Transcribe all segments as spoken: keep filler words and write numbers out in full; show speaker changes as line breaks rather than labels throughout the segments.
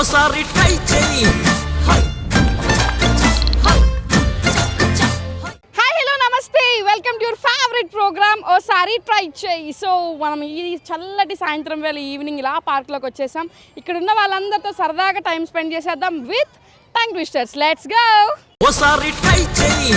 ఓసారి ట్రై చేయి.
Hi hello నమస్తే, welcome to your favourite programme ఓసారి ట్రై చేయి. సో మనం ఈ చల్లటి సాయంత్రం వేళ ఈవినింగ్ ఇలా పార్క్లోకి వచ్చేసాం. ఇక్కడ ఉన్న వాళ్ళందరితో సరదాగా టైం స్పెండ్ చేసేద్దాం with tongue twisters. Let's go.
ఓసారి ట్రై చేయి.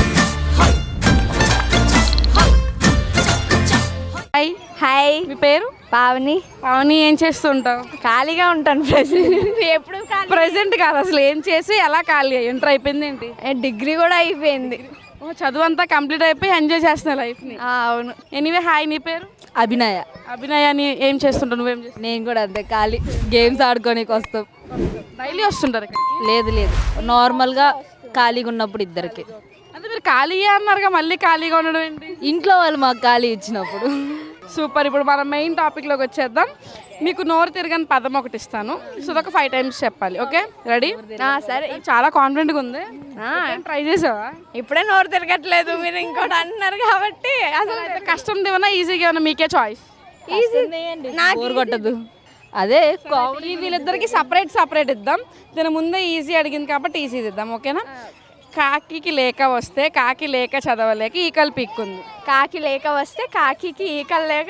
హాయ్
హాయ్,
మీ పేరు?
పావని.
పావని, ఏం చేస్తుంటావు?
ఖాళీగా ఉంటాను ప్రెసెంట్. ఎప్పుడు
ప్రెసెంట్ కాదు, అసలు ఏం చేసి ఎలా ఖాళీ ఇంటర్ అయిపోయింది ఏంటి?
డిగ్రీ కూడా అయిపోయింది.
ఓ, చదువు అంతా కంప్లీట్ అయిపోయి ఎంజాయ్ చేస్తున్నావు లైఫ్ని.
ఆ, అవును.
ఎనీవే, హాయ్, నీ పేరు?
అభినయ.
అభినయ, నీ ఏం చేస్తుంటావు? నువ్వేం చేస్తావు?
నేను కూడా అంతే, ఖాళీ గేమ్స్ ఆడుకోనికి వస్తాం.
డైలీ వస్తుంటారు ఇక్కడ?
లేదు లేదు, నార్మల్గా ఖాళీగా ఉన్నప్పుడు ఇద్దరికి.
అంటే మీరు ఖాళీ అన్నారుగా, మళ్ళీ ఖాళీగా ఉండడం ఏంటి?
ఇంట్లో వాళ్ళు మాకు ఖాళీ ఇచ్చినప్పుడు.
సూపర్. ఇప్పుడు మనం మెయిన్ టాపిక్లోకి వచ్చేద్దాం. మీకు నోరు తిరగని పదం ఒకటి ఇస్తాను, సో అదొక ఫైవ్ టైమ్స్ చెప్పాలి. Okay, ready?
సరే.
చాలా కాన్ఫిడెంట్గా ఉంది. ట్రై చేసావా?
ఇప్పుడే నోరు తిరగట్లేదు, మీరు ఇంకోటి అంటున్నారు కాబట్టి.
అసలు కష్టం ఏమన్నా ఈజీగా ఏమన్నా మీకే చాయిస్.
ఈజీ, నాకు బోర్ కొట్టదు. అదే
కామెడీ. వీళ్ళిద్దరికి సపరేట్ సపరేట్ ఇద్దాం. దీని ముందే ఈజీ అడిగింది కాబట్టి ఈజీ ఇద్దాం, ఓకేనా? కాకి లేక వస్తే కాకి లేక చదవలేక ఈకలు పీక్కుంది.
కాకి లేక వస్తే కాకి ఈకలు లేక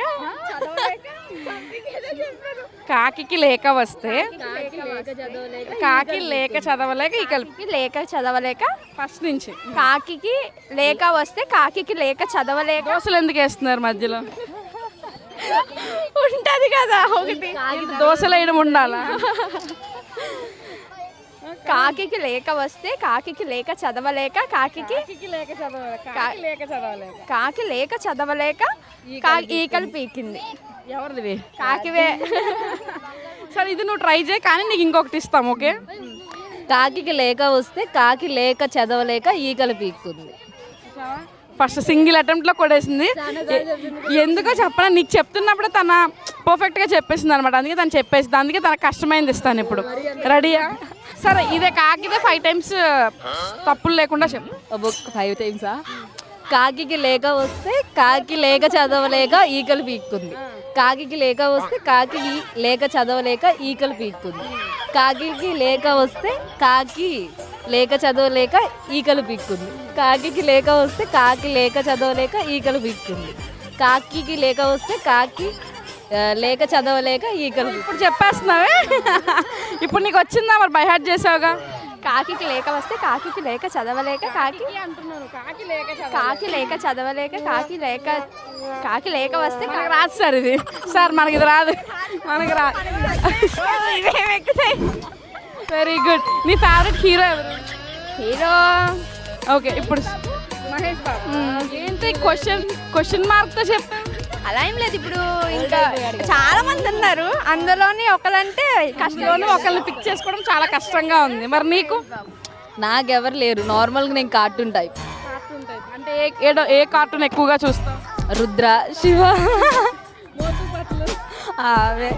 కాకి లేక వస్తే కాకి లేక చదవలేక ఈకలు
లేక చదవలేక.
ఫస్ట్ నుంచి
కాకి లేక వస్తే కాకి లేక చదవలేక.
దోశలు ఎందుకు వేస్తున్నారు మధ్యలో?
ఉంటది కదా ఒకటి.
దోశలు వేయడం ఉండాలా?
కాకి లేక వస్తే కాకి లేక చదవలేక కాకి
లేక చదవలేక కాకి లేక చదవలేక
కాకి లేక చదవలేక కా- ఈకలు పీకింది.
ఎవరిది?
కాకివే.
సరే, ఇది నువ్వు ట్రై చేయి, కానీ నీకు ఇంకొకటి ఇస్తాం, ఓకే?
కాకి లేక వస్తే కాకి లేక చదవలేక ఈకలు పీక్కుంది.
First single అటెంప్ట్లో కొడేసింది. ఎ- ఎందుకో చెప్పనా, నీకు చెప్తున్నప్పుడే తన పర్ఫెక్ట్గా చెప్పేసింది అనమాట. అందుకే తను చెప్పేసింది, అందుకే తనకు కష్టమైంది ఇస్తాను ఇప్పుడు. రెడీయా? సరే, ఇదే కాకిదే ఫైవ్ టైమ్స్ తప్పులు లేకుండా చెప్పు.
బుక్ ఫైవ్ టైమ్సా? కాకి లేక వస్తే కాకి లేక చదవలేక ఈకలు పీక్కుంది. కాకి లేక వస్తే కాకి లేక చదవలేక ఈకలు పీక్కుంది. కాకి లేక వస్తే కాకి లేక చదవలేక ఈకలు పీక్కుంది. కాకి లేక వస్తే కాకి లేక చదవలేక ఈకలు పీక్కుంది. కాకి లేక వస్తే కాకి ఆ, లేక చదవలేక ఈకలు.
ఇప్పుడు చెప్పేస్తున్నావే. ఇప్పుడు నీకు వచ్చిందా మరి? బై హార్ట్ చేసావుగా.
కాకి లేక వస్తే కాకి లేక చదవలేక కాకి
అంటున్నాను, కాకి లేక
కాకి లేక చదవలేక కాకి లేక కాకి లేక వస్తే
మనకి రాదు సార్ ఇది. సార్ మనకి ఇది రాదు, మనకి రాదు. Very good. నీ ఫేవరెట్ హీరో ఎవరు?
హీరో
ఓకే, ఇప్పుడు మహేష్ బాబు. ఏంటి క్వశ్చన్ క్వశ్చన్ మార్క్తో చెప్పా?
అలా ఏం లేదు. ఇప్పుడు ఇంకా చాలా మంది ఉన్నారు, అందులోని ఒకరంటే
కష్టంలోనూ ఒకళ్ళని పిక్ చేసుకోవడం చాలా కష్టంగా ఉంది. మరి నీకు?
నాకెవరు లేరు, నార్మల్గా నేను కార్టూన్ టైప్.
అంటే ఏ ఏడో ఏ కార్టూన్ ఎక్కువగా చూస్తావు?
రుద్ర, శివ, అవే.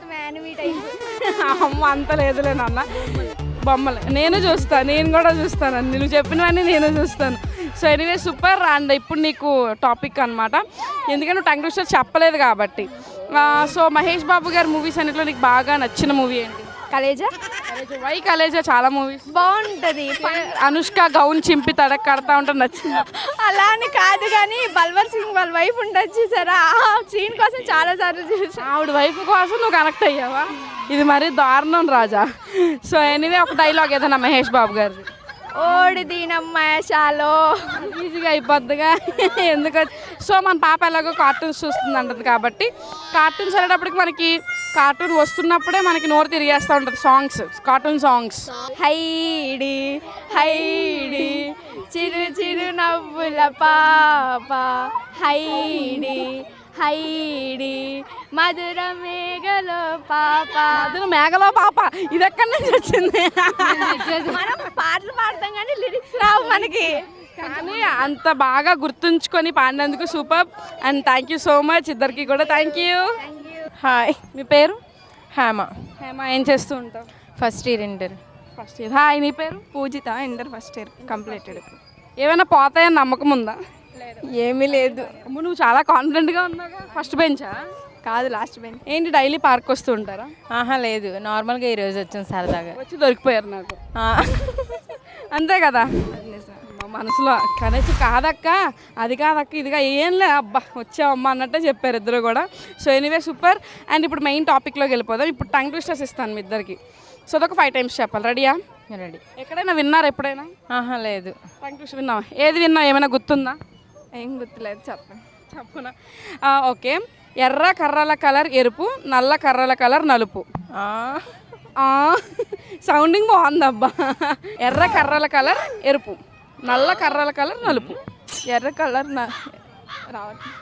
అమ్మ, అంత లేదులే నాన్న. బొమ్మలే నేను చూస్తాను, నేను కూడా చూస్తాను. అన్ని నువ్వు చెప్పినవన్నీ నేను చూస్తాను. So anyway, super. అండ్ ఇప్పుడు నీకు టాపిక్ అనమాట, ఎందుకంటే నువ్వు టంగ్ ట్విస్టర్ చెప్పలేదు కాబట్టి. సో మహేష్ బాబు గారి మూవీస్ అన్నిట్లో నీకు బాగా నచ్చిన మూవీ ఏంటి?
కలేజా.
వై కలేజా? చాలా మూవీస్
బాగుంటుంది.
అనుష్క గౌన్ చింపి తడక్ కడతా ఉంటే నచ్చింది.
అలా అని కాదు, కానీ బల్వర్ సింగ్ వాళ్ళ వైఫ్ ఉండొచ్చు సరే, ఆ సీన్ కోసం చాలా సార్లు చూసా.
ఆవిడ వైఫ్ కోసం నువ్వు కనెక్ట్ అయ్యావా? ఇది మరీ దారుణం రాజా. సో ఎనీవే, ఒక డైలాగ్ ఏదైనా మహేష్ బాబు గారిది.
ఓడి దీనమ్మాషాలో
ఈజీగా అయిపోద్దిగా. ఎందుకు? సో మన పాప ఎలాగో కార్టూన్స్ చూస్తుంది అంటది కాబట్టి, కార్టూన్స్ వెళ్ళేటప్పటికి మనకి కార్టూన్ వస్తున్నప్పుడే మనకి నోరు తిరిగేస్తూ ఉంటుంది songs, cartoon songs.
Heidi Heidi చిరు చిరు నవ్వుల పాప హైడి హైడి మధుర మేఘలో పాప.
అదే మేఘలో పాప, ఇది ఎక్కడి నుంచి వచ్చింది?
మనం పాటలు పాడతాం కానీ లిరిక్స్ రావు మనకి.
కానీ అంత బాగా గుర్తుంచుకొని పాడినందుకు super. And thank you so much ఇద్దరికి కూడా. Thank you.
హాయ్,
మీ పేరు?
హేమ.
హేమ, ఏం చేస్తూ ఉంటావు?
First year inter.
First year. Hi, నీ పేరు?
Poojitha, inter first year completed.
ఏమైనా పోతాయని నమ్మకం ఉందా?
ఏమీ లేదు.
అమ్మ, నువ్వు చాలా కాన్ఫిడెంట్గా ఉన్నావుగా. ఫస్ట్ బెంచా?
కాదు లాస్ట్ బెంచ్.
ఏంటి డైలీ పార్క్ వస్తూ ఉంటారా?
ఆహా లేదు, నార్మల్గా ఈరోజు వచ్చాం సరదాగా.
వచ్చి దొరికిపోయారు నాకు.
ఆ.
అంతే కదా మా మనసులో కనీసం కాదక్క అది కాదక్క ఇదిగా ఏం లే అబ్బా వచ్చావమ్మా అన్నట్టే చెప్పారు ఇద్దరు కూడా. So anyway super. అండ్ ఇప్పుడు మెయిన్ టాపిక్లోకి వెళ్ళిపోదాం. ఇప్పుడు టంగ్ ట్విస్టర్స్ ఇస్తాను మీ ఇద్దరికి. సో అదొక ఫైవ్ టైమ్స్ చెప్పాలి. రెడీయా?
రెడీ.
ఎక్కడైనా విన్నారా ఎప్పుడైనా
ఆహా లేదు.
టంగ్ ట్విస్టర్ విన్నావా? ఏది విన్నావు? ఏమైనా గుర్తుందా?
ఏం గుర్తులేదు, చెప్పండి.
చెప్పునా? ఓకే. ఎర్ర కర్రల కలర్ ఎరుపు, నల్ల కర్రల కలర్ నలుపు.
ఆ.
సౌండింగ్ బాగుందబ్బా. ఎర్ర కర్రల కలర్ ఎరుపు, నల్ల కర్రల కలర్ నలుపు.
ఎర్ర కలర్ నా రావట్లేదు.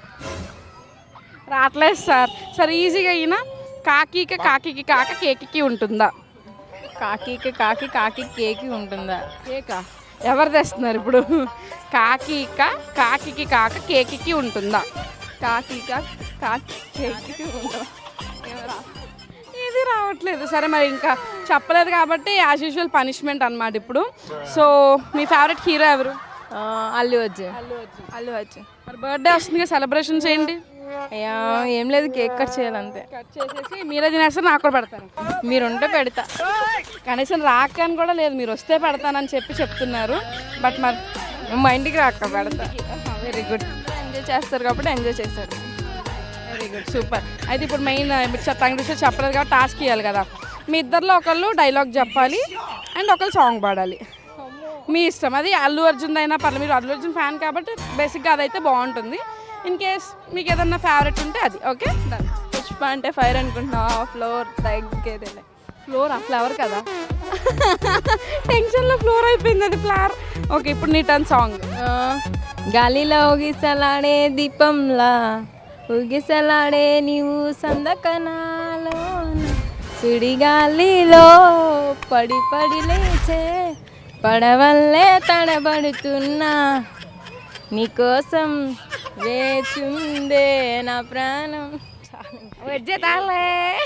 రావట్లేదు సార్. సరే ఈజీగా అయినా కాకికి కాకికి కాక కేకికి ఉంటుందా?
కాకికి కాకి కాకి కేకి ఉంటుందా?
కేకా ఎవరు తెస్తున్నారు ఇప్పుడు? కాకిక కాకికి కాక కేకికి ఉంటుందా?
కాకి కాకి కేకి ఉంటుందా?
ఇది రావట్లేదు. సరే మరి ఇంకా చెప్పలేదు కాబట్టి యాజ్ యూజువల్ పనిష్మెంట్ అనమాట ఇప్పుడు. సో మీ ఫేవరెట్ హీరో ఎవరు?
ఆ, అల్లు అర్జున్.
అల్లు అర్జున్.
అల్లు అర్జున్.
మరి బర్త్డే వస్తుంది, సెలబ్రేషన్ చేయండి.
అయ్యా ఏం లేదు, కేక్ కట్ చేయాలంతే.
కట్ చేసేసి మీరే తినేస్తారు, నాకు కూడా పెడతారు.
మీరుంటే పెడతా.
కనీసం రాకని కూడా లేదు, మీరు వస్తే పెడతానని చెప్పి చెప్తున్నారు. బట్ మరి
మా ఇంటికి రాక పెడతా.
Very good.
ఎంజాయ్ చేస్తారు కాబట్టి ఎంజాయ్ చేస్తారు.
Very good super. అయితే ఇప్పుడు మెయిన్ టంగ్ ట్విస్టర్ చెప్పలేదు కాబట్టి టాస్క్ ఇవ్వాలి కదా. మీ ఇద్దరిలో ఒకళ్ళు డైలాగ్ చెప్పాలి అండ్ ఒకళ్ళు సాంగ్ పాడాలి. మీ ఇష్టం, అది అల్లు అర్జున్ అయినా పర్లేదు. మీరు అల్లు అర్జున్ ఫ్యాన్ కాబట్టి బేసిక్గా అదైతే బాగుంటుంది. ఇన్ కేస్ మీకు ఏదన్నా ఫేవరెట్ ఉంటే అది. Okay done.
పుష్ప అంటే ఫైర్ అనుకుంటున్నా, ఫ్లోర్ తగ్గేదే.
ఫ్లోర్ ఆ ఫ్లవర్ కదా. టెన్షన్లో ఫ్లోర్ అయిపోయింది అది ఫ్లవర్. ఓకే ఇప్పుడు నీ టర్న్ సాంగ్.
గాలిలో ఊగిసలాడే దీపంలా ఊగిసలాడే నీవు సందకనాలో సుడిగాలిలో పడి పడి లేచే పడవల్లే తడబడుతున్నా నీకోసం వేచుందే నా ప్రాణం.
వెజ్జే తాలే.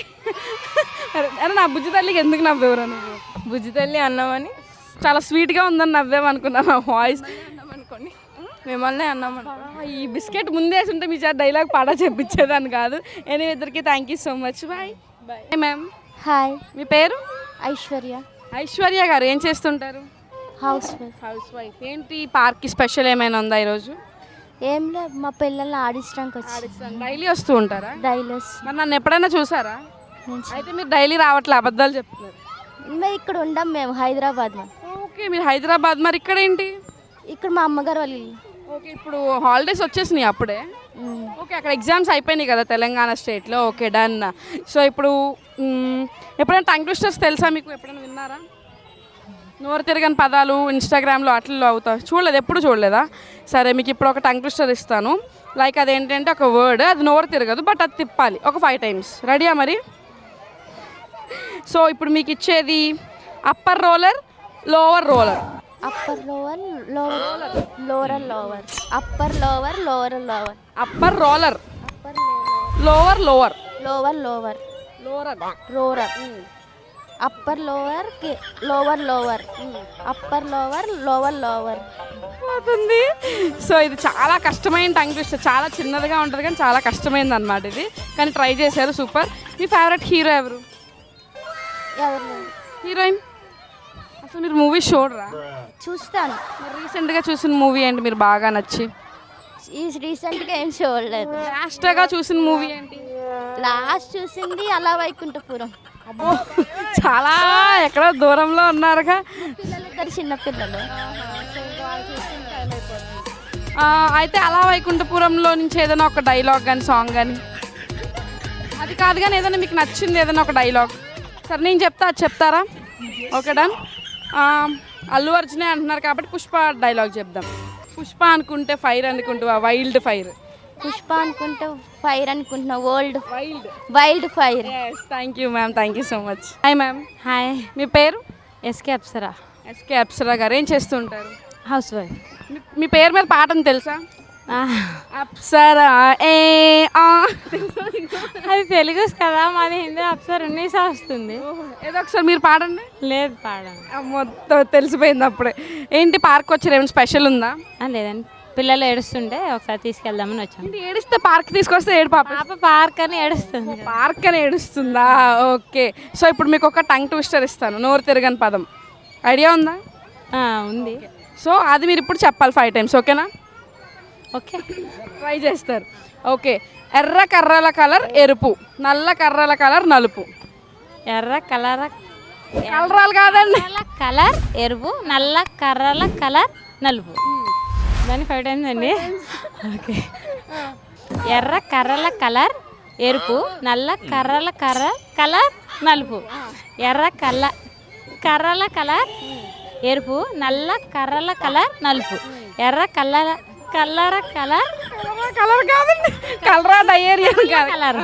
అరే నా బుజ్జి తల్లికి ఎందుకు నవ్వేవరా నువ్వు?
బుజ్జి తల్లి అన్నామని
చాలా స్వీట్గా ఉందని నవ్వేమనుకున్నా నా వాయిస్.
అనుకోండి, మిమ్మల్ని అన్నామని.
ఈ బిస్కెట్ ముందేసి ఉంటే మీ చేత డైలాగ్ పాడా చెప్పించేదాన్ని కాదు. ఎనీ ఇద్దరికి thank you so much. Bye bye ma'am.
Hi,
మీ పేరు?
ఐశ్వర్య.
ఐశ్వర్య గారు ఏం చేస్తుంటారు?
House wife.
House wife. ఏంటి పార్క్కి స్పెషల్ ఏమైనా ఉందా ఈరోజు?
ఏం లేదు, మా పిల్లల్ని ఆడించడానికి వచ్చి
డైలీ వస్తూ ఉంటారా?
డైలర్స్
మరి నన్ను ఎప్పుడైనా చూసారా?
నుంచి.
అయితే మీరు డైలీ రావట్లే, అబద్ధాలు చెప్తున్నారు.
మేము ఇక్కడ ఉండం, మేము హైదరాబాద్. మా
ఓకే మీరు హైదరాబాద్, మరి ఇక్కడ ఏంటి?
ఇక్కడ మా అమ్మగారు వాళ్ళు ఇల్లు.
ఓకే ఇప్పుడు హాలిడేస్ వచ్చేసినాయి అప్పుడే.
మ్మ్.
ఓకే అక్కడ ఎగ్జామ్స్ అయిపోయినాయి కదా తెలంగాణ స్టేట్లో. Okay done. సో ఇప్పుడు మ్, ఎప్పుడైనా టంగ్ ట్విస్టర్స్ తెలుసా మీకు? ఎప్పుడైనా విన్నారా? నోరు తిరగని పదాలు ఇన్స్టాగ్రామ్లో అట్లలో అవుతా చూడలేదు, ఎప్పుడు చూడలేదా? సరే మీకు ఇప్పుడు ఒక టంగ్ ట్విస్టర్ ఇస్తాను. లైక్ అదేంటంటే ఒక వర్డ్, అది నోరు తిరగదు బట్ అది తిప్పాలి ఒక ఫైవ్ టైమ్స్. రెడీయా మరి? సో ఇప్పుడు మీకు ఇచ్చేది upper roller, lower roller.
Upper lower lower lower lower upper lower lower lower
upper roller,
upper
lower lower,
lower lower
lower
roller upper lower lower lower upper lower lower lower.
పోతుంది. So ఇది చాలా కష్టమైన tongue twister, చాలా చిన్నదిగా ఉంటుంది కానీ చాలా కష్టమైంది అనమాట ఇది. కానీ ట్రై చేశారు, సూపర్. మీ ఫేవరెట్ హీరో ఎవరు?
ఎవరు లేరు.
హీరోయిన్? అసలు మీరు మూవీ చూడరా?
చూస్తాను.
మీరు రీసెంట్గా చూసిన మూవీ ఏంటి మీరు బాగా నచ్చి?
ఈ రీసెంట్గా ఏం చూడలేదు.
లాస్ట్గా చూసిన మూవీ ఏంటి?
లాస్ట్ చూసింది అలా వైకుంఠపురం.
అబ్బో చాలా ఎక్కడో దూరంలో ఉన్నారుగా.
పిల్లలు ఇద్దరు చిన్నపిల్లలు.
ఆ, అయితే అలా వైకుంఠపురంలో నుంచి ఏదైనా ఒక డైలాగ్ కానీ సాంగ్ కానీ. అది కాదు కానీ ఏదైనా మీకు నచ్చింది ఏదైనా ఒక డైలాగ్. సరే నేను చెప్తా, అది చెప్తారా? Okay done. అల్లు అర్జునే అంటున్నారు కాబట్టి పుష్ప డైలాగ్ చెప్దాం. పుష్ప అనుకుంటే ఫైర్ అనుకుంటా, వైల్డ్ ఫైర్.
పుష్ప అనుకుంటే ఫైర్ అనుకుంటున్నా, old
wild
wild fire.
Thank you ma'am, thank you so much. Hi ma'am.
Hi,
మీ పేరు?
ఎస్కే అప్సరా,
ఎస్కే అప్సరా గారు. ఏం చేస్తూ ఉంటారు?
House wife.
మీ- మీ పేరు మీద పాటను తెలుసా? అప్సరా ఏ ఆ
అది తెలుగు కదా, మాది హిందీ. అప్సరా ఉన్నీసా వస్తుంది.
ఏదో ఒకసారి మీరు పాడండి.
లేదు పాడాను.
మొత్తం తెలిసిపోయింది అప్పుడే. ఏంటి పార్క్ వచ్చారు, ఏమైనా స్పెషల్ ఉందా?
లేదండి,
పిల్లలు ఏడుస్తుంటే ఒకసారి తీసుకెళ్దామని వచ్చాం.
ఏంటి ఏడిస్తే పార్క్ తీసుకొస్తే ఏడు పాప
పాప పార్క్ అని ఏడుస్తుంది.
పార్క్ అని ఏడుస్తుందా? ఓకే. సో ఇప్పుడు మీకు ఒక టంగ్ ట్విస్టర్ ఇస్తాను, నోరు తిరగని పదం. ఐడియా ఉందా?
ఆ, ఉంది.
సో అది మీరు ఇప్పుడు చెప్పాలి ఫైవ్ టైమ్స్, ఓకేనా?
ఓకే,
ట్రై చేస్తారు. ఓకే. ఎర్ర కర్రల కలర్ ఎరుపు, నల్ల కర్రల కలర్ నలుపు.
ఎర్ర కలర్
కలరాలు కాదండి.
కర్రల కలర్ ఎరుపు, నల్ల కర్రల కలర్ నలుపు. దాన్ని ఫైవ్ టైమ్స్ అండి. ఓకే. ఎర్ర కర్రల కలర్ ఎరుపు, నల్ల కర్రల కర్ర కలర్ నలుపు. ఎర్ర కల్ల కర్రల కలర్ ఎరుపు, నల్ల కర్రల కలర్ నలుపు. ఎర్ర కల్లర కల్లర కలర్
కలర్ కాదండి, కలరా డయేరియా
కలర్.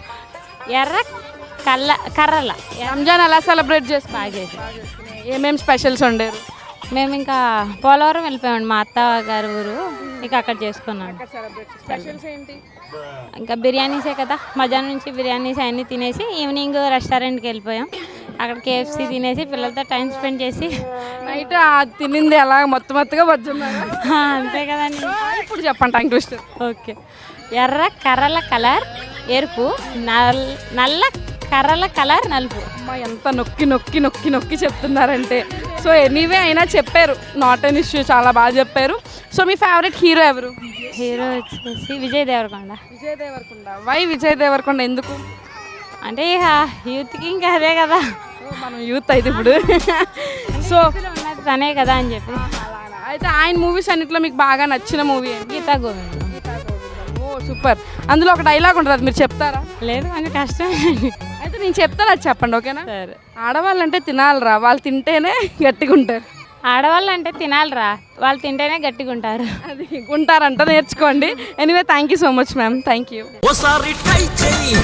ఎర్ర కల్ల కర్రల.
రంజాన్ ఎలా సెలబ్రేట్ చేసి
బాగా చేసి
ఏమేమి స్పెషల్స్ ఉండేరు?
మేము ఇంకా పోలవరం వెళ్ళిపోయామండి, మా అత్త గారి ఊరు. ఇక అక్కడ చేసుకున్నాం.
స్పెషల్స్ ఏంటి?
ఇంకా బిర్యానీసే కదా, మధ్యాహ్నం నుంచి బిర్యానీస్ అన్నీ తినేసి ఈవినింగ్ రెస్టారెంట్కి వెళ్ళిపోయాం. అక్కడ కేఎఫ్సీ తినేసి పిల్లలతో టైం స్పెండ్ చేసి
నైట్ తినింది ఎలా మొత్తం మొత్తగా వద్దున్నారు.
అంతే కదండి.
ఇప్పుడు చెప్పండి టంగ్ ట్విస్టర్.
ఓకే. ఎర్ర కర్రల కలర్ ఎరుపు, నల్ నల్ల కర్రల కలర్ నలుపు.
అమ్మ ఎంత నొక్కి నొక్కి నొక్కి నొక్కి చెప్తున్నారంటే. సో ఎనీవే అయినా చెప్పారు, నాట్ ఎన్ ఇష్యూ, చాలా బాగా చెప్పారు. సో మీ ఫేవరెట్ హీరో ఎవరు?
హీరో వచ్చేసి విజయ్ దేవరకొండ.
విజయ్ దేవరకొండ. వై విజయ్ దేవరకొండ ఎందుకు?
అంటే ఇక యూత్కి ఇంకా అదే కదా,
మనం యూత్ అయితే ఇప్పుడు. సో
ఉన్నది తనే కదా అని చెప్పి.
అయితే ఆయన మూవీస్ అన్నిట్లో మీకు బాగా నచ్చిన మూవీ ఏంటి?
గీతా గోవిందం.
ఓ సూపర్. అందులో ఒక డైలాగ్ ఉంటుంది, అది మీరు చెప్తారా?
లేదు, కొంచెం కష్టం.
అయితే నేను చెప్తాను, అది చెప్పండి, ఓకేనా?
సరే.
ఆడవాళ్ళంటే తినాలిరా, వాళ్ళు తింటేనే గట్టిగా ఉంటారు.
ఆడవాళ్ళు అంటే తినాలిరా, వాళ్ళు తింటేనే గట్టిగా ఉంటారు.
అది ఉంటారంట, నేర్చుకోండి. Anyway thank you so much ma'am, thank you.
ఓసారి ట్రై చేయి.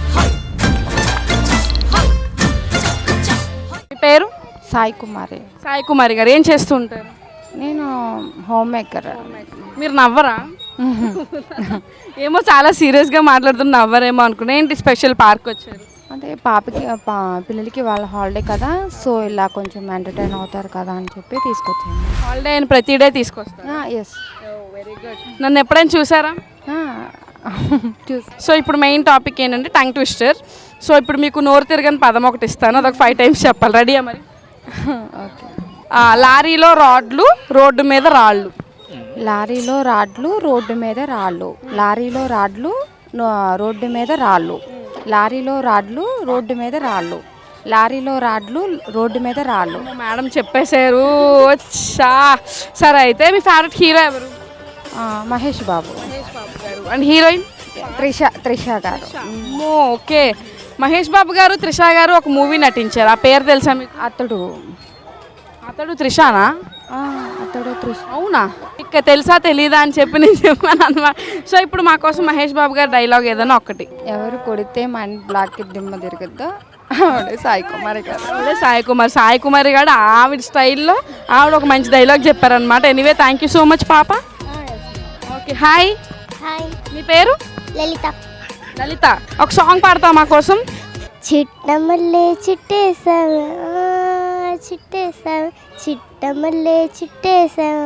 మీ పేరు?
సాయి కుమారి.
సాయి కుమారి గారు ఏం చేస్తూ ఉంటారు?
నేను హోమ్ మేకర్.
మీరు నవ్వరా? ఏమో చాలా సీరియస్గా మాట్లాడుతున్న నవ్వరేమో అనుకున్నా. ఏంటి స్పెషల్ పార్క్ వచ్చారు?
అంటే పాపకి పా పిల్లలకి వాళ్ళ హాలిడే కదా, సో ఇలా కొంచెం ఎంటర్టైన్ అవుతారు కదా అని చెప్పి తీసుకొచ్చాను.
హాలిడే అయిన ప్రతి డే తీసుకొస్తాను.
ఎస్.
Very good. నన్ను ఎప్పుడైనా చూసారా?
చూసి.
సో ఇప్పుడు మెయిన్ టాపిక్ ఏంటంటే టంగ్ ట్విస్టర్. సో ఇప్పుడు మీకు నోరు తిరగని పదం ఒకటి ఇస్తాను, అదొక ఫైవ్ టైమ్స్ చెప్పాలి. రెడీయా మరి?
ఓకే.
లారీలో రాడ్లు, రోడ్డు మీద రాళ్ళు.
లారీలో రాడ్లు, రోడ్డు మీద రాళ్ళు. లారీలో రాడ్లు, రోడ్డు మీద రాళ్ళు. లారీలో రాడ్లు, రోడ్డు మీద రాళ్ళు. లారీలో రాడ్లు, రోడ్డు మీద రాళ్ళు.
మేడం చెప్పేశారు. వచ్చా. సరే అయితే మీ ఫేవరెట్ హీరో ఎవరు?
మహేష్ బాబు.
And heroine?
త్రిష త్రిష గారు.
అమ్మో, ఓకే. మహేష్ బాబు గారు, త్రిష గారు ఒక మూవీ నటించారు, ఆ పేరు తెలుసా మీకు?
అతడు.
అతడు త్రిషానా?
అతడు త్రిష.
అవునా? ఇక తెలుసా తెలీదా అని చెప్పి నేను చెప్పాను అనమాట. సో ఇప్పుడు మా కోసం మహేష్ బాబు గారు డైలాగ్ ఏదైనా ఒకటి.
ఎవరు కొడితే మైండ్ బ్లాక్ దిమ్మ తిరగద్దు, ఆవిడే సాయి కుమారి గారు.
ఆవిడే సాయి కుమార్. సాయి కుమారి గారు ఆవిడ స్టైల్లో ఆవిడ ఒక మంచి డైలాగ్ చెప్పారనమాట. Anyway thank you so much పాప. ఓకే. హాయ్.
హాయ్,
మీ పేరు?
లలిత.
లలిత, ఒక సాంగ్ పాడతావు మా కోసం?
చిట్టమల్లే చిట్టేసావా, చిట్టేసావా, చిట్టమల్లే చిట్టేసావా,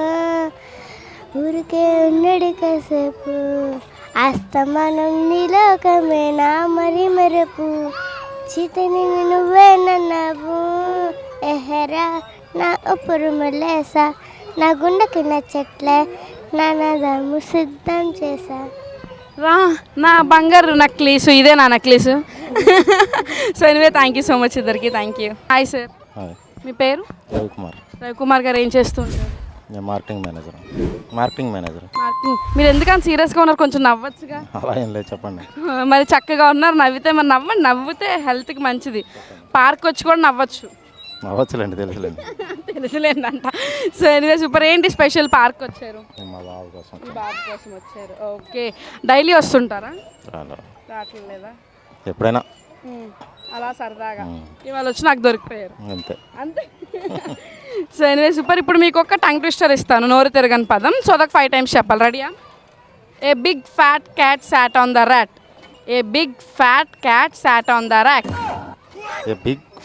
ఊరికే ఉన్నడు కాసేపు, అస్తమానం నీలోకమే నా మరి మెరుపు, చితని నువ్వే నన్నావు, ఎహరా నా ఉప్పురు మల్లేసా, నా గుండెకి నచ్చట్లే, నా నదము సిద్ధం చేశా.
రా నా బంగారు నక్లీసు, ఇదే నా necklace. So anyway thank you so much ఇద్దరికి, థ్యాంక్ యూ. Hi sir. మీ పేరు?
రవికుమార్.
రవికుమార్ గారు ఏం చేస్తుంటారు?
నేను marketing manager. Marketing manager.
Marketing. మీరు ఎందుకని సీరియస్గా ఉన్నారు? కొంచెం నవ్వచ్చుగా.
అలా ఏం లేదు, చెప్పండి.
మరి చక్కగా ఉన్నారు, నవ్వితే మరి నవ్వండి, నవ్వితే హెల్త్కి మంచిది. పార్క్ వచ్చి కూడా నవ్వచ్చు.
నవ్వచ్చులేండి, తెలుసులేండి.
తెలుసులేండంట. So anyway super. ఏంటి స్పెషల్ పార్క్ వచ్చారు?
మా బాబు కోసం.
మీ బాబు కోసం వచ్చారు. ఓకే. డైలీ వస్తుంటారా? రావట్లేదా?
ఎప్పుడైనా
అలా సరదాగా ఇవాళ వచ్చి నాకు దొరికిపోయారు
అంతే
అంతే. So anyway super. ఇప్పుడు మీకు ఒక టంగ్ ట్విస్టర్ ఇస్తాను, నోరు తిరగని పదం. సో అదొక ఫైవ్ టైమ్స్ చెప్పాలి. రెడీయా? A big fat cat sat on the rat. A big fat cat sat on the rack.
A big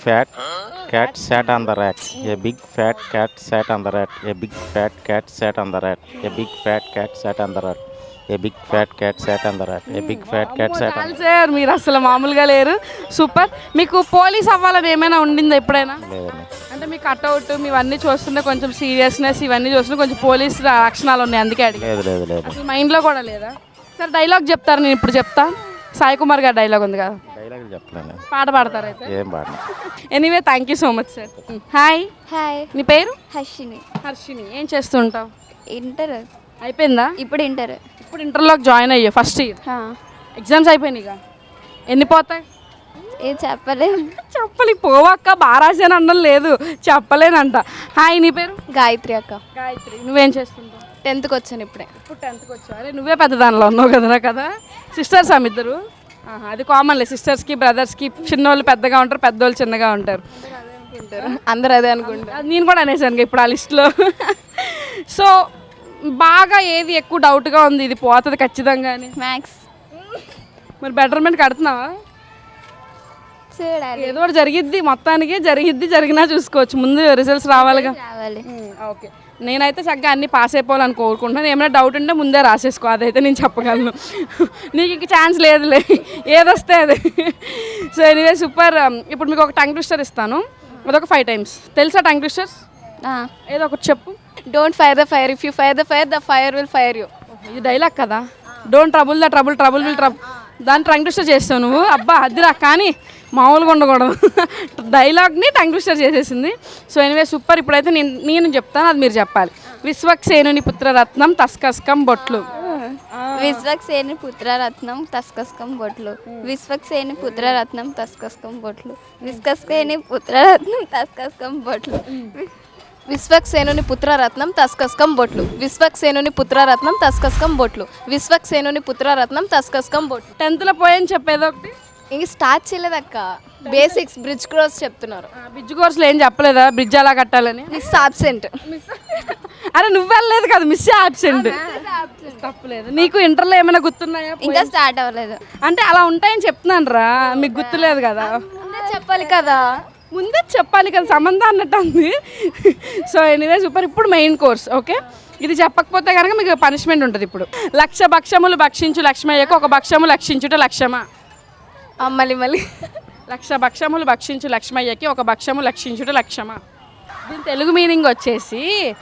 fat cat sat on the rat. A big fat cat sat on the rat. A big fat cat sat on the rat. A big fat cat sat on the rat. A big fat cat sat on the rat. A big fat cat sat on
చాలు sir, మీరు అసలు మామూలుగా లేరు. Super. మీకు police అవ్వాలని ఏమైనా ఉండిందా ఎప్పుడైనా?
లేదండి.
అంటే మీ కట్అవుట్ మీవన్నీ చూస్తుంటే కొంచెం సీరియస్నెస్ ఇవన్నీ చూస్తుంటే కొంచెం పోలీస్ లక్షణాలు ఉన్నాయి, అందుకే అడిగి.
లేదు లేదు లేదు
అసలు మైండ్లో కూడా లేదా? సార్ డైలాగ్ చెప్తారు, నేను ఇప్పుడు చెప్తా. సాయి కుమార్ గారి డైలాగ్ ఉంది కదా,
డైలాగ్ చెప్పలేను.
పాట పాడతారు అయితే.
ఏం పాడను.
Anyway thank you so much sir. Hi,
hi,
నీ పేరు?
హర్షిని.
హర్షిని. ఏం చేస్తుంటావు?
ఇంటర్,
అయిపోయిందా?
ఇప్పుడు ఇంటర్.
ఇప్పుడు ఇంటర్లోకి జాయిన్ అయ్యా, ఫస్ట్ ఇయర్. ఎగ్జామ్స్ అయిపోయినాయి ఇక, ఎన్ని పోతాయి?
ఏం చెప్పలేదు.
చెప్పలి పోవక్క, బాగా రాసాను అనడం లేదు, చెప్పలేనంట. హాయ్, నీ పేరు?
గాయత్రి అక్క.
గాయత్రి. నువ్వేం చేస్తుంటావు?
టెన్త్కి వచ్చాను ఇప్పుడే.
ఇప్పుడు టెన్త్కి వచ్చావు. అరే నువ్వే పెద్ద దానిలో ఉన్నావు కదరా కదా. సిస్టర్స్ ఆమె ఇద్దరు? ఆహా, అది కామన్లే, సిస్టర్స్కి బ్రదర్స్కి చిన్నోళ్ళు పెద్దగా ఉంటారు, పెద్దోళ్ళు చిన్నగా ఉంటారు.
అందరూ అదే అనుకుంటారు.
అది నేను కూడా అనేసాను ఇప్పుడు ఆ లిస్ట్లో. సో బాగా ఏది ఎక్కువ డౌట్గా ఉంది, ఇది పోతుంది ఖచ్చితంగా అని?
మ్యాథ్స్.
మరి బెటర్మెంట్ కడుతున్నావా?
చూడాలి,
ఏదో ఒకటి జరిగిద్ది, మొత్తానికి జరిగిద్ది, జరిగినా చూసుకోవచ్చు, ముందు రిజల్ట్స్ రావాలిగా.
రావాలి.
ఓకే, నేనైతే చక్కగా అన్నీ పాస్ అయిపోవాలని కోరుకుంటున్నాను. ఏమైనా డౌట్ ఉంటే ముందే రాసేసుకో, అదైతే నేను చెప్పగలను. నీకు ఇంక ఛాన్స్ లేదులే, ఏదొస్తే అది. So anyway super. ఇప్పుడు మీకు ఒక టంగ్ ట్విస్టర్ ఇస్తాను, అదొక ఫైవ్ టైమ్స్. తెలుసా టంగ్ ట్విస్టర్స్? ఏదో ఒకటి చెప్పు.
Don't fire the fire, if you fire the fire the fire will fire you.
ఇది డైలాగ్ కదా. Don't trouble the trouble, trouble will trouble. దాన్ని టంగ్ ట్విస్టర్ చేస్తావు నువ్వు. అబ్బా అదిరా, కానీ మామూలుగా ఉండకూడదు. డైలాగ్ని టంగ్ ట్విస్టర్ చేసేసింది. So anyway super. ఇప్పుడైతే నేను నేను చెప్తాను, అది మీరు చెప్పాలి. విశ్వక్సేనుని పుత్రరత్నం తస్కస్కం బొట్లు.
విశ్వక్సేని పుత్రరత్నం తస్కస్కం బొట్లు. విశ్వక్సేని పుత్రరత్నం తస్కస్కం బొట్లు. విశ్వక్సేని పుత్రరత్నం తస్కస్కం బొట్లు. విశ్వక్సేనుని పుత్రరత్నం తస్కస్కం బొట్లు. విశ్వక్సేనుని పుత్రరత్నం తస్కస్కం బొట్లు. విశ్వక్సేనుని పుత్రరత్నం తస్కస్కం బొట్లు.
టెన్త్లో పోయని చెప్పేది ఒకటి.
ఇంక స్టార్ట్ చేయలేదక్క, బేసిక్స్ బ్రిడ్జ్ క్రాస్ చెప్తున్నారు.
బ్రిడ్జ్ కోర్సులో ఏం చెప్పలేదా బ్రిడ్జ్ అలా కట్టాలని?
Miss absent.
అరే నువ్వు వెళ్ళలేదు కదా, మిస్ ఆబ్సెంట్. తప్పలేదు. నీకు ఇంటర్లో ఏమైనా గుర్తున్నాయా?
ఇంకా స్టార్ట్ అవ్వలేదు.
అంటే అలా ఉంటాయని చెప్తున్నాను రా, మీకు గుర్తులేదు కదా.
చెప్పాలి కదా,
ముందే చెప్పాలి కదా, సంబంధం అన్నట్టు ఉంది. So anyway super. ఇప్పుడు మెయిన్ కోర్స్. ఓకే, ఇది చెప్పకపోతే కనుక మీకు పనిష్మెంట్ ఉంటుంది. ఇప్పుడు లక్ష భక్షములు భక్షించు లక్ష్మయ్యకు ఒక భక్షము లక్షించుట లక్ష్యమా?
మళ్ళీ మళ్ళీ
లక్ష భక్షములు భక్షించు లక్ష్మయ్యకి ఒక భక్షము లక్షించుట లక్ష్యమా? దీని తెలుగు మీనింగ్ వచ్చేసి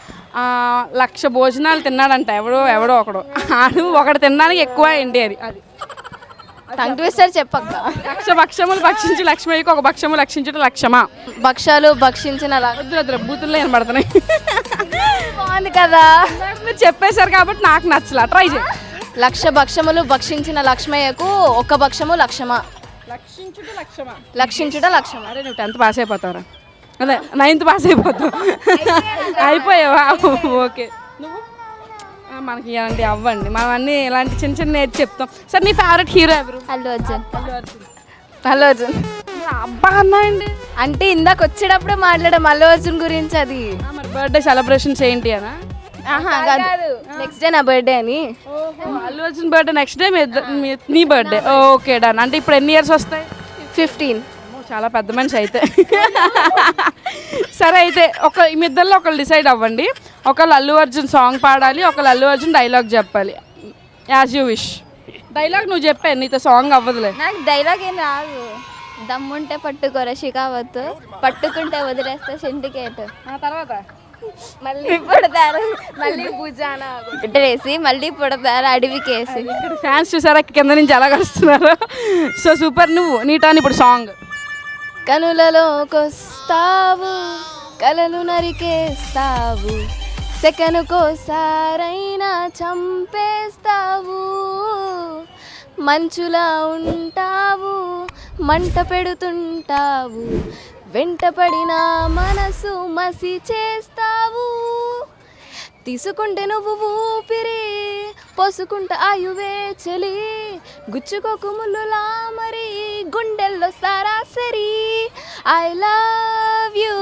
లక్ష భోజనాలు తిన్నాడంట ఎవడో ఎవడో ఒకడు, ఆడు ఒకడు తినడానికి ఎక్కువ ఏంటి అది. అది
టంగ్ ట్విస్టర్ చెప్పక్క.
లక్ష భక్షములు భక్షించి లక్ష్మయ్యకి ఒక భక్షము లక్షించుట లక్ష్యమా?
భక్షాలు భక్షించిన
వద్దు వద్దు, బూతుల్లో కనబడుతున్నాయి.
బాగుంది కదా,
మీరు చెప్పేశారు కాబట్టి నాకు నచ్చలా. ట్రై చేయి.
లక్ష భక్షములు భక్షించిన లక్ష్మయ్యకు ఒక భక్షము లక్ష్యమా?
లక్షించుట లక్ష్యమా?
లక్షించుట లక్ష్యమా.
అరే నువ్వు టెన్త్ పాస్ అయిపోతావురా, అదే నైన్త్ పాస్ అయిపోతావు. అయిపోయావా? ఓకే. నువ్వు మనకి ఇలాంటి అవ్వండి, మనం అన్నీ ఇలాంటి చిన్న చిన్న నేర్చి చెప్తాం. సార్ నీ ఫేవరెట్ హీరో ఎవరు?
అల్లు అర్జున్.
అల్లు అర్జున్.
అల్లు అర్జున్
అబ్బా అన్నాయండి.
అంటే ఇందాక వచ్చేటప్పుడే మాట్లాడాం అల్లు అర్జున్ గురించి. అది
మరి బర్త్డే సెలబ్రేషన్స్ ఏంటి అనా?
నెక్స్ట్ డే నా బర్త్డే అని.
Allu Arjun birthday next day నీ బర్త్డే. Okay done. అంటే ఇప్పుడు ఎన్ని ఇయర్స్ వస్తాయి?
ఫిఫ్టీన్.
చాలా పెద్ద మనిషి అయితే. సరే అయితే ఒక మీ ఇద్దరిలో ఒకళ్ళు డిసైడ్ అవ్వండి. ఒకళ్ళు అల్లు అర్జున్ సాంగ్ పాడాలి, ఒకళ్ళు అల్లు అర్జున్ డైలాగ్ చెప్పాలి. As you wish. డైలాగ్ నువ్వు చెప్పే, నీతో సాంగ్ అవ్వదులే.
నాకు డైలాగ్ ఏం రాదు. దమ్ముంటే పట్టుకోరా షికావత్, పట్టుకుంటే వదిలేస్తా సిండికేట్.
ఆ తర్వాత
మళ్ళీ పుడతారు మళ్ళీ భుజాన గుడ్డలేసి మళ్ళీ పుడతారు అడవికేసి.
ఇక్కడ ఫ్యాన్స్ చూసారా కింద నుంచి ఎలా వస్తున్నారు. So super. నువ్వు నీ టర్న్ ఇప్పుడు సాంగ్.
కనులలోకొస్తావు కలలు నరికేస్తావు, సెకనుకోసారైనా చంపేస్తావు, మంచులా ఉంటావు మంట పెడుతుంటావు, వెంటపడిన మనసు మసి చేస్తావు, తీసుకుంటే నువ్వు ఊపిరి పోసుకుంటే ఆయువే చలి, గుచ్చుకోకు ముల్లులా మరి గుండెల్లో సరాసరి. ఐ లవ్ యూ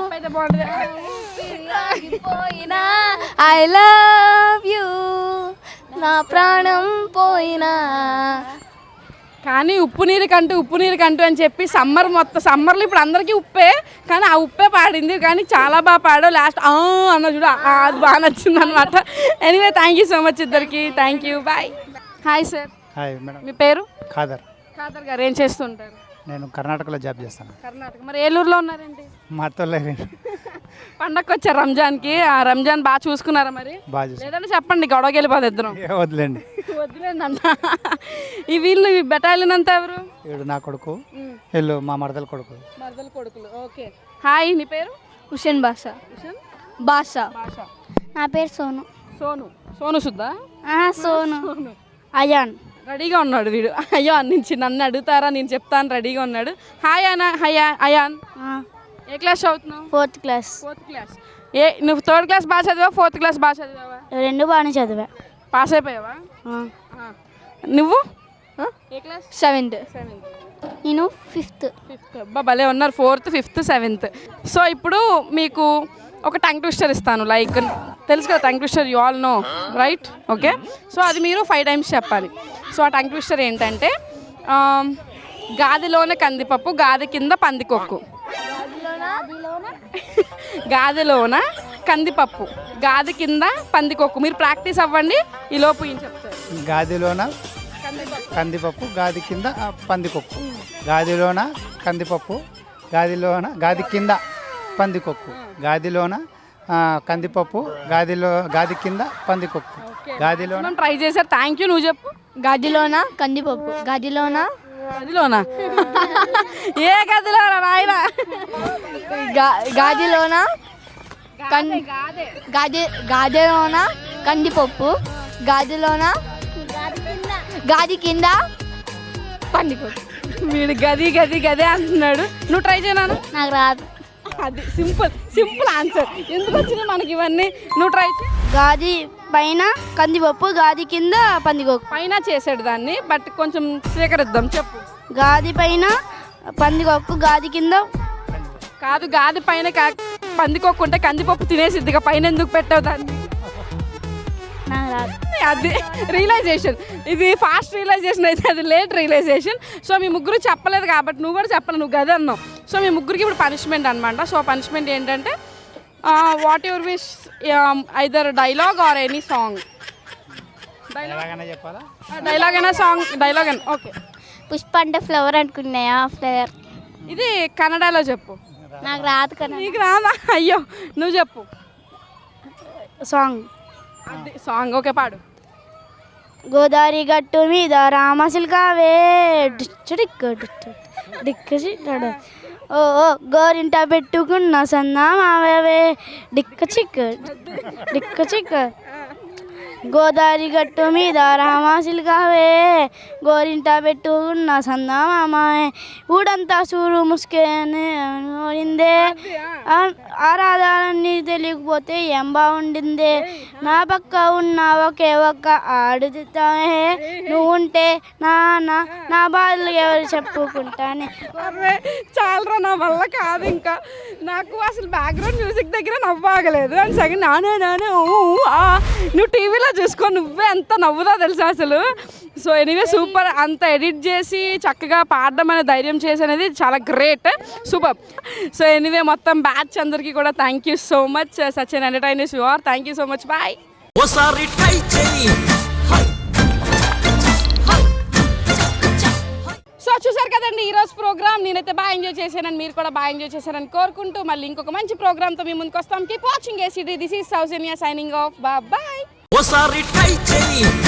పోయినా, ఐ లవ్ యూ నా ప్రాణం పోయినా.
కానీ ఉప్పు నీరు కంటూ ఉప్పు నీరు కంటూ అని చెప్పి సమ్మర్ మొత్తం సమ్మర్లో ఇప్పుడు అందరికీ ఉప్పే, కానీ ఆ ఉప్పే పాడింది. కానీ చాలా బాగా పాడావు. లాస్ట్ అన్న చూడ అది బాగా నచ్చింది అనమాట. Anyway thank you so much ఇద్దరికి. Thank you, bye. Hi sir.
Hi madam.
మీ పేరు?
ఖాదర్.
ఖాదర్ గారు ఏం చేస్తుంటారు?
నేను కర్ణాటకలో జాబ్ చేస్తాను.
కర్ణాటక. మరి ఏలూరులో ఉన్నారండి?
మా అత్తోళ్ళ
పండగకి వచ్చారు రంజాన్కి. ఆ రంజాన్ బాగా చూసుకున్నారా మరి?
బాగా చూసి
లేదంటే చెప్పండి, గొడవకి వెళ్ళిపోదు ఇద్దరం.
వదిలేండి.
వదిలేండి అన్న. ఈ వీళ్ళు ఈ బెటాలియన్ అంతా ఎవరు?
వీడు నా కొడుకు, వీళ్ళు మా మరదల కొడుకు.
మరదల కొడుకులు. ఓకే. హాయ్, నీ పేరు?
హుషన్ బాషా.
హుషన్
బాషా.
భాష.
నా పేరు సోను.
సోను. సోను సుద్దా?
సోను.
సోను.
అయాన్.
రెడీగా ఉన్నాడు వీడు. అయ్యో నుంచి నన్ను అడుగుతారా, నేను చెప్తాను, రెడీగా ఉన్నాడు. హాయ్ అన్న. హయా అయాన్. ఏ క్లాస్ చదువుతున్నావు?
Fourth class.
Fourth class. ఏ నువ్వు థర్డ్ క్లాస్ బాగా చదివా, ఫోర్త్ క్లాస్ బాగా చదివావా?
రెండు బాగానే చదివా.
పాస్ అయిపోయావా? నువ్వు ఏ క్లాస్?
సెవెంత్.
సెవెంత్.
నేను ఫిఫ్త్.
ఫిఫ్త్. అబ్బా భలే ఉన్నారు. Fourth, fifth, seventh. సో ఇప్పుడు మీకు ఒక టంగ్ ట్విస్టర్ ఇస్తాను. లైక్ తెలుసు కదా tongue twister, you all know right? Okay. So అది మీరు ఫైవ్ టైమ్స్ చెప్పాలి. సో ఆ టంగ్ ట్విస్టర్ ఏంటంటే గాదిలోనే కందిపప్పు, గాది కింద పందికొక్కు. గాదిలోన కందిపప్పు, గాది కింద పందికొక్కు. మీరు ప్రాక్టీస్ అవ్వండి, ఈ లోపు ఏం చెప్తారు?
గాదిలోన కందిపప్పు, గాది కింద పందికొక్కు. గాదిలోన కందిపప్పు, గాదిలోన గాది కింద పందికొక్కు. గాదిలోన కందిపప్పు, గాదిలో గాది కింద పందికొక్కు. గాదిలోన
ట్రై చేశారు. Thank you. నువ్వు చెప్పు.
గదిలోన కందిపప్పు, గదిలోన
గదిలోనా? ఏ గదిలోనా నాయన?
గాదిలోన గాది గాదిలోన కందిపప్పు, గాదిలోన గాది కింద పందికొక్కు.
వీడు గది గది గదే అంటున్నాడు. నువ్వు ట్రై చేయనా?
నాకు రాదు.
అది సింపుల్ సింపుల్ ఆన్సర్. ఎందుకు వచ్చినాయి మనకి ఇవన్నీ? నువ్వు ట్రై చేయి.
గాది పైన కందిపప్పు, గాది కింద పందికొక్కు.
పైన చేసాడు దాన్ని, బట్ కొంచెం స్వీకరిద్దాం. చెప్పు.
గాది పైన పందికొక్కు, గాది కింద.
కాదు, గాది పైన కా- పందికొక్కుంటే కందిపప్పు తినేసిద్దిగా, పైన ఎందుకు పెట్టావు దాన్ని?
నాకు రాదు.
అది రియలైజేషన్. ఇది ఫాస్ట్ రియలైజేషన్ అయితే అది లేట్ రియలైజేషన్. సో మీ ముగ్గురు చెప్పలేదు కాబట్టి నువ్వు కూడా చెప్పాలి, నువ్వు గది అన్నావు. సో మీ ముగ్గురికి ఇప్పుడు పనిష్మెంట్ అనమాట. సో పనిష్మెంట్ ఏంటంటే what your wish, either dialogue or any song.
ఎలాగైనా చెప్పాలా?
డైలాగ్ అయినా సాంగ్, డైలాగ్ అయినా ఓకే.
పుష్ప అంటే ఫ్లవర్ అనుకున్నాయా? ఫ్లవర్.
ఇది కన్నడలో చెప్పు.
నాకు రాదు కదా.
నీకు రాదా? అయ్యో, నువ్వు చెప్పు.
సాంగ్.
అది సాంగ్. ఓకే, పాడు.
గోదావరి గట్టు మీద రామశిల్కావే డిక్క డిక్క ఓ ఓ గోరింట పెట్టుకున్న సన్నామావే డిక్క చిక్క డిక్క చిక్క. గోదావరి గట్టు మీద రామశిల్కావే గోరింట పెట్టుకున్న సన్నామామే ఊడంతా సూరు ముసుకేనిందే. ఆరాధాన్ని తెలియకపోతే ఏం బాగుండిందే. నా పక్క ఉన్న ఒకే ఒక్క ఆడుతామే నువ్వు ఉంటే నాన్న నా బాధలు ఎవరు చెప్పుకుంటానే.
చాలరా, నా వల్ల కాదు ఇంకా. నాకు అసలు బ్యాక్గ్రౌండ్ మ్యూజిక్ దగ్గర నవ్వాగలేదు. అండ్ సెకండ్ నానే నానే నువ్వు టీవీలో చూసుకో, నువ్వే ఎంత నవ్వుదా తెలుసా అసలు. So anyway super. అంత ఎడిట్ చేసి చక్కగా పాడడం అనే ధైర్యం చేసి అనేది చాలా గ్రేట్, సూపర్. సో ఎనీవే మొత్తం బ్యాచ్ అందరికీ కూడా thank you so much. Such an entertainers you are. Thank you so much. Bye.
ఓసారి ట్రై చేయి.
సో చూసారు కదండి ఈరోజు ప్రోగ్రామ్. నేనైతే బాగా ఎంజాయ్ చేశానని, మీరు కూడా బాగా ఎంజాయ్ చేశారని కోరుకుంటూ మళ్ళీ ఇంకొక మంచి ప్రోగ్రామ్తో మీ ముందుకు వస్తాం. Keep watching ACD. This is Soujanya signing off. Bye.
ఓసారి ట్రై చేయి.